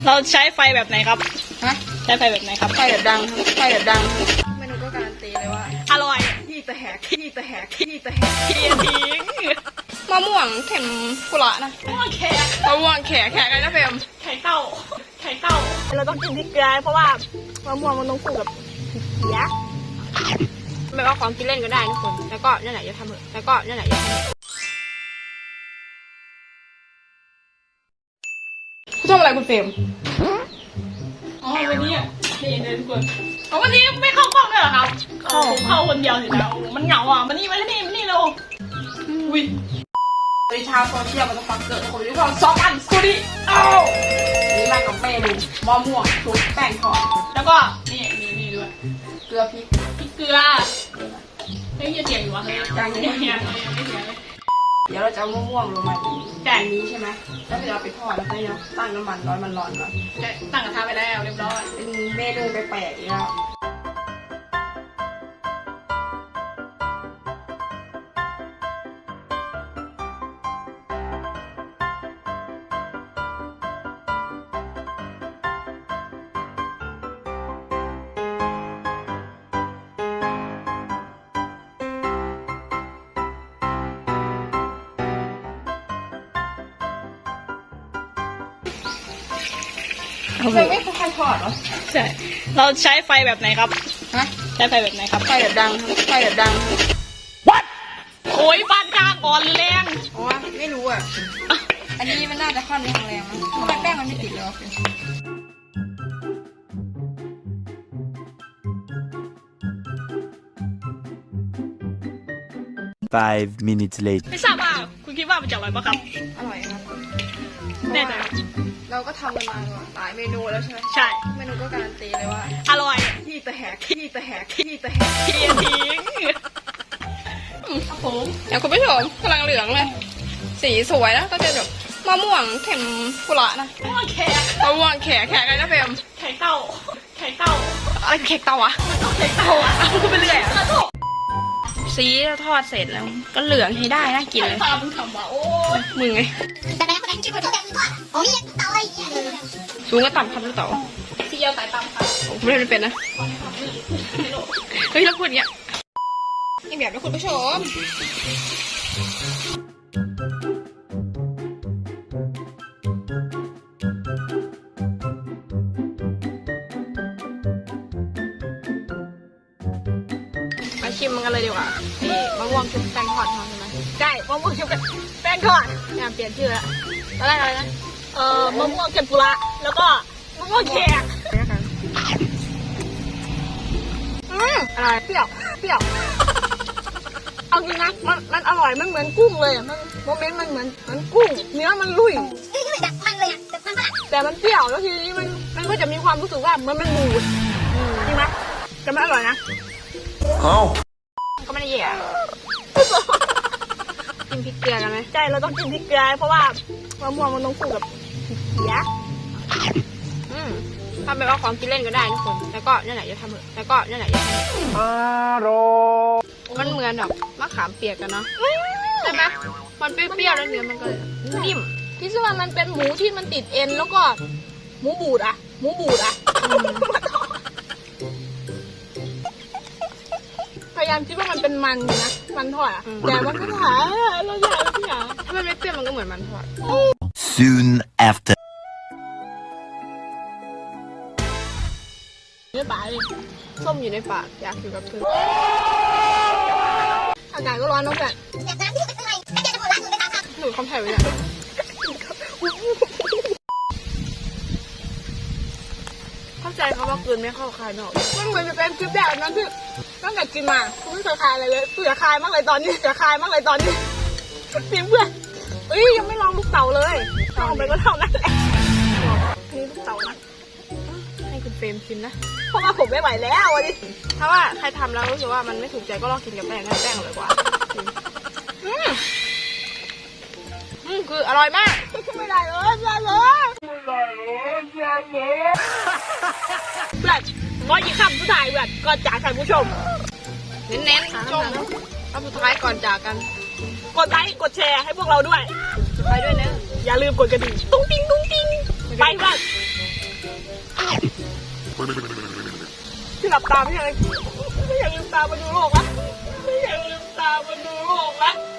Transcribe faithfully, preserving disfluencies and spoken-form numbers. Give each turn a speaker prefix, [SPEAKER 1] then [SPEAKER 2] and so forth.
[SPEAKER 1] เราใช้ไฟแบบไหนครับ
[SPEAKER 2] ฮะ
[SPEAKER 1] ใช้ไฟแบบไหนครับ
[SPEAKER 2] ไฟแบบดังไฟแบบดังเมนูก็การันตีเลยว่า
[SPEAKER 1] อร่อย
[SPEAKER 2] ขี้ตะแหกขี้ตะแหกขี้ตะแหก
[SPEAKER 1] เทียทิ้ง
[SPEAKER 2] มะม่วงเข็มกุหลาบนะ
[SPEAKER 1] มะม่วงแขก
[SPEAKER 2] มะม่วงแขกแขกอะไรนะเฟม
[SPEAKER 1] ไข่เต้าไข่เต้าเราต้องกินพริกเกลือเพราะว่ามะม่วงมันต้องคู่กับพริกเขียว
[SPEAKER 2] ไม่ว่าของกินเล่นก็ได้ทุกคนแล้วก็นั่นแหละอย่าทำเถอะแล้วก็นั่นแหละอย่าทำคุณทำอะไรคุณเฟม
[SPEAKER 1] อ๋อวันนี้นี่เลยทุกคนอ๋อวันนี้ไม่เข้ากล้องด้วยเหรอครับเข้าเข้าคนเดียวเฉยแล้วมันเหงาอ่ะมันนี่มาที่นี่มันนี่เราอุ้ย
[SPEAKER 2] ในชาวโซเชียลมันต้องฟังเกิดคนทุกคนสองอันสุดิเอ้านี่มากับเมนูมะม่วงชุบแป้งทอด
[SPEAKER 1] แล้วก็นี่นี่นี่ด้วย
[SPEAKER 2] เกลือพริก
[SPEAKER 1] พริกเกลือเฮ้ยยังเสียงอยู่วะเฮ้ยยังยังยังไม่เสียงเลย
[SPEAKER 2] เดี๋ยวเราจะเอามะม่วงลงมาอีก
[SPEAKER 1] แต่
[SPEAKER 2] อันนี้ใช่ไหมแล้วเราไปทอดแล้วก็เนาะตั้งน้ำมันร้อนมันร้อนก่อน
[SPEAKER 1] ตั้งกระทะไปแล้วเรียบร้อย
[SPEAKER 2] เป็นเมนูแปลกๆอีกแล้วจะไม่ค่อยทอดเหรอ
[SPEAKER 1] ใช่เราใช้ไฟแบบไหนครับ
[SPEAKER 2] ฮะ
[SPEAKER 1] ใช้ไฟแบบไหนครับ
[SPEAKER 2] ไฟแบบดังไฟแบบดัง
[SPEAKER 1] What โอ้ยบ้านข้างอ่อนแรง
[SPEAKER 2] อ๋อไม่รู้อ่ะอันนี้มันน่าจะค่อนข้างแรงนะทำไมแป้งมันไม่ติดเลยวะ
[SPEAKER 3] Five minutes later
[SPEAKER 1] ไม่ทราบว่าคุณคิดว่ามันจะอร่อยปะครับ
[SPEAKER 2] อร่อยครับ
[SPEAKER 1] แน่ใจครับ
[SPEAKER 2] เราก็ทำกันมาหลายเมนูแล้วใช่ไหม
[SPEAKER 1] ใช่
[SPEAKER 2] เมนูก็การันตีเลยว่า
[SPEAKER 1] อร่อย
[SPEAKER 2] ขี้ตะแหกขี้ตะแหกขี้ตะแหก
[SPEAKER 1] เทียทิ้งครับผม
[SPEAKER 2] เดี๋ยวคุณผู้ชมกำลังเหลืองเลยสีสวยนะก็จะแบบมะม่วงเข็มกุหลาบนะ
[SPEAKER 1] มะม่วงแขก
[SPEAKER 2] มะม่วงแขกแขกอะไรนะเฟม
[SPEAKER 1] ไข่เต้าไข่เต้า
[SPEAKER 2] อะไรเค้กเตาวะ
[SPEAKER 1] ไข่เต้าอ่ะพูดไปเรื่อยอ่ะ
[SPEAKER 2] สีทอดเสร็จแล้วก็เหลืองให้ได้น่ากินเลย
[SPEAKER 1] ตามึงทำว่ะโอ้ย
[SPEAKER 2] มึงไง
[SPEAKER 4] แต่แม่คนนั้นชื่อคนที่แบบทอดโอ้ยเตาอะไรอย่างเงี้ย
[SPEAKER 2] สูงก็ต่ำครับลูกเต๋อ
[SPEAKER 1] ที่เยาสายตามครับ
[SPEAKER 2] ผมไม่ได้เป็นนะเฮ้ยเราพูดอย่างเงี้ยอีกแบบนะคุณผู้ชมมาชิมมันกันเลยดีกว่านี่มะม่วงชุบแป้งทอดทอดใช่ไหม
[SPEAKER 1] ใช่มะม่วงเค็มกับแป้งทอด
[SPEAKER 2] งานเปลี่ยนชื่อแล้วตอนแรกอะไรนะ
[SPEAKER 1] เอ่อมะม่วงเค็มปุระแล้วก็มะม่วงแขก
[SPEAKER 2] อืมอะไรเปรี้ยวเปรี้ยว
[SPEAKER 1] เอาจริงนะมันมันอร่อยมันเหมือนกุ้งเลยอ่ะมันโมเมนต์มันเหมือนเหมือนกุ้งเนื้อมันลุย
[SPEAKER 4] นี่คือแบบมันเลยอ่ะแบบมันฝรั่ง
[SPEAKER 1] แต่มันเปรี้ยวแล้วทีนี้มันมันก็จะมีความรู้สึกว่ามันมันบูดจริงไหมแต่มันอร่อยนะ
[SPEAKER 2] ก็ไม่ได้แย่กินพริกเกลือกันไหม
[SPEAKER 1] ใช่เราต้องกินพริกเกลือเพราะว่ามะม่วงมันต้องคู่กับพริกเขียว
[SPEAKER 2] อืมทำไปว่าของกินเล่นก็ได้ทุกคนแล้วก็นั่นแหละอย่าทำเถอะแล้วก็นั่นแหละอย่าทำมันเหมือนแบบมะขามเปียกกันเนาะใช่ไหมมันเปรี้ยวๆแล้วเนื้อมันก็นิ่ม
[SPEAKER 1] ที่ซึ่งว่ามันเป็นหมูที่มันติดเอ็นแล้วก็หมูบูดอ่ะหมูบูดอ่ะพยายามคิดว่ามันเป็นมันอยู่นะมันทอดอ่ะแต่มันก็หาเราอยากเราอยาก
[SPEAKER 2] ถ้ามันไม่เปรี้ยวมันก็เหมือนมันทอด
[SPEAKER 3] soon after
[SPEAKER 1] เนื้อปลาเลย
[SPEAKER 2] ส้มอยู่ในปากอยากอยู่กับเธอ
[SPEAKER 1] อากาศก็ร้อนเนอะแบบ
[SPEAKER 4] แบบน้ำที่อยู่ข้างในถ้าแกจะบอกร้านอื่นไปถามค่ะ
[SPEAKER 2] หนูคำไผ่ไว้เนี่ยเข้าใจเขาว่าเกินไม่เข้าคายนอก
[SPEAKER 1] มันเหมือนจะเป็นคลิปแบบนั้นที่ตั้งแต่กินมาคุณไม่เคยคายอะไรเลยเสือคายมากเลยตอนนี้เสือคายมากเลยตอนนี้เสียงเพื่อนเอ้ยยังไม่ลองลูกเต๋าเลยลองไปก็เท่านั้นแหละอันนี้ลูกเต๋านะ
[SPEAKER 2] ให้คุณเฟรมชิมนะ
[SPEAKER 1] เพราะว่าผมไม่ไหวแล้ววันนี้
[SPEAKER 2] ถ้าว่าใครทำแล้วรู้สึกว่ามันไม่ถูกใจก็ลองกินกับแป้งนะแป้งอร่อยกว่าอืมอืมคืออร่อยมาก
[SPEAKER 1] ไม่ได้เลยไม่ได้เลยไม่ได้เลยไม่ได้เลยเพื่อนร้อยยี่คำผู้ชายเพื่อนก่อนจากท่านผู้ชม
[SPEAKER 2] เน้นๆชมเอาสุดท้ายก่อนจากกัน
[SPEAKER 1] กดไลค์กดแชร์ให้พวกเราด้วย
[SPEAKER 2] ไปด้วยนะ
[SPEAKER 1] อย่าลืมกดกระดิ่งตุ้งติ้งตุ้งติ้งไปเพื่อนที่หลับตาไม่ใช่อะไรไม่อยากลืมตามาดูโลกละไม่อยากลืมตามาดูโลกละ